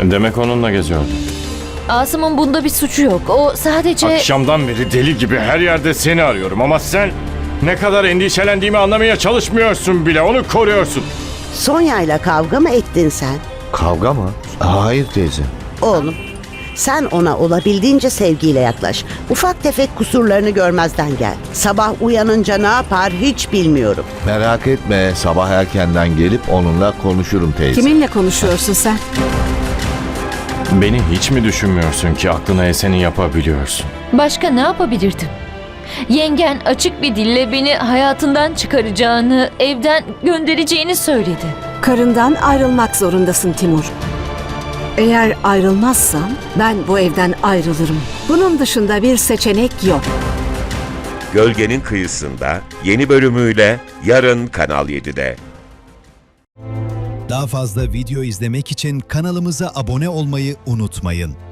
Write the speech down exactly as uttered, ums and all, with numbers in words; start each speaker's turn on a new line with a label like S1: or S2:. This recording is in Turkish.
S1: Demek onunla geziyordun.
S2: Asım'ın bunda bir suçu yok. O sadece...
S1: Akşamdan beri deli gibi her yerde seni arıyorum ama sen ne kadar endişelendiğimi anlamaya çalışmıyorsun bile. Onu koruyorsun.
S3: Sonya'yla kavga mı ettin sen?
S4: Kavga mı? Hayır teyze.
S3: Oğlum, sen ona olabildiğince sevgiyle yaklaş. Ufak tefek kusurlarını görmezden gel. Sabah uyanınca ne yapar hiç bilmiyorum.
S4: Merak etme, sabah erkenden gelip onunla konuşurum teyze.
S5: Kiminle konuşuyorsun sen?
S1: Beni hiç mi düşünmüyorsun ki aklına eseni yapabiliyorsun?
S2: Başka ne yapabilirdim? Yengen açık bir dille beni hayatından çıkaracağını, evden göndereceğini söyledi.
S5: Karından ayrılmak zorundasın Timur. Eğer ayrılmazsan ben bu evden ayrılırım. Bunun dışında bir seçenek yok.
S6: Gölgenin Kıyısında yeni bölümüyle yarın Kanal yedide.
S7: Daha fazla video izlemek için kanalımıza abone olmayı unutmayın.